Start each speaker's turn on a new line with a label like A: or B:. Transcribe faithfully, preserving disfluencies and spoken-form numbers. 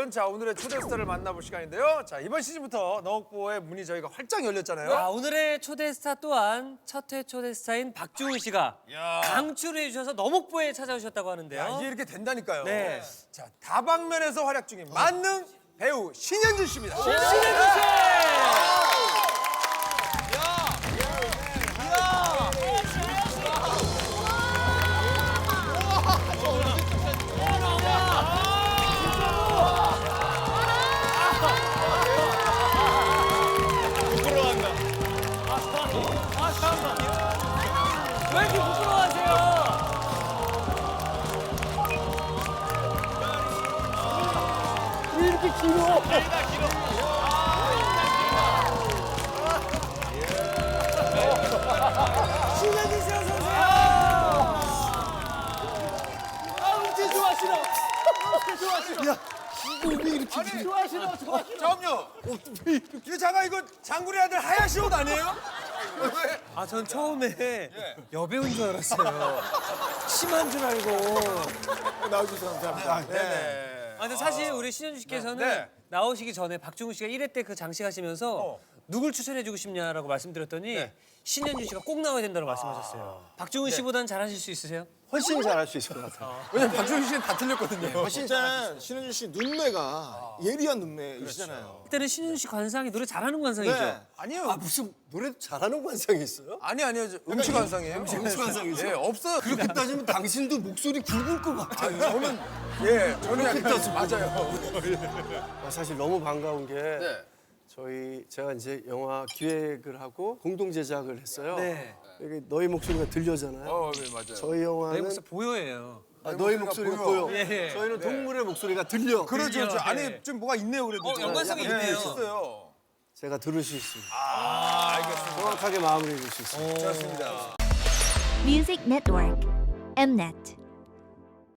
A: 여러분, 자 오늘의 초대 스타를 만나볼 시간인데요. 자 이번 시즌부터 너옥보의 문이 저희가 활짝 열렸잖아요.
B: 아, 오늘의 초대 스타 또한 첫 회 초대 스타인 박중훈 씨가
A: 야.
B: 강추를 해주셔서 너목보에 찾아오셨다고 하는데요.
A: 야, 이게 이렇게 된다니까요.
B: 네.
A: 자 다방면에서 활약 중인 만능 배우 신현준 씨입니다.
B: 신현준 씨! 왜 이렇게 부끄러워하세요? 왜 이렇게 길어? 신현준 씨 어서 오세요. 아, 음치 좋아하시나? 좋아하시나?
A: 야, 이거 왜 이렇게 아니,
B: 좋아하시나? 좋아하시나?
A: 잠깐요. 이거 잠깐 이거 장군의 아들 하야시 옷 아니에요? 왜?
B: 아, 전 처음에 여배우인 줄 알았어요. 심한 줄 알고.
A: 나와주셔서 감사합니다. 네네.
B: 아, 근데 사실 우리 신현준 씨께서는
A: 네. 네.
B: 나오시기 전에 박중훈 씨가 일 회 때 그 장식하시면서
A: 어.
B: 누굴 추천해주고 싶냐라고 말씀드렸더니
A: 네.
B: 신현준 씨가 꼭 나와야 된다고 말씀하셨어요. 박중훈 씨보단 잘하실 수 있으세요?
C: 훨씬 잘할 수 있을 것 같아요.
A: 왜냐면 박준희 씨는 다 틀렸거든요.
C: 진짜 신은주 씨 눈매가 예리한 눈매이시잖아요.
B: 그때는 신현준 씨 관상이 노래 잘하는 관상이죠.
C: 네.
A: 아니요.
C: 아 무슨 노래 잘하는 관상이 있어요?
A: 아니 아니요. 저 음치 관상이에요.
C: 음치 관상이죠?
A: 예, 없어요.
C: 그렇게 따지면 당신도 목소리 굵을 것 같아요.
A: 저는 예, 저는 약간 맞아요.
C: 아, 사실 너무 반가운 게
A: 네.
C: 저희 제가 이제 영화 기획을 하고 공동 제작을 했어요.
B: 네.
C: 여기 너희 목소리가 들려잖아요.
A: 어, 네, 맞아요.
C: 저희
B: 내
C: 영화는
B: 목소리 보여예요.
C: 아, 너희
A: 목소리가
C: 목소리가
A: 보여.
C: 보여.
B: 예.
C: 저희는
A: 네.
C: 동물의 목소리가 들려.
A: 그렇죠. 그렇죠.
B: 네.
A: 안에 좀 뭐가 있네요, 그래도.
B: 어, 연관성이
A: 약간,
B: 있네요.
A: 예, 있어요.
C: 제가 들을 수 있습니다.
A: 아, 알겠습니다.
C: 정확하게 마무리해 줄 수 있습니다.
A: 좋습니다.
D: Music Network, Mnet.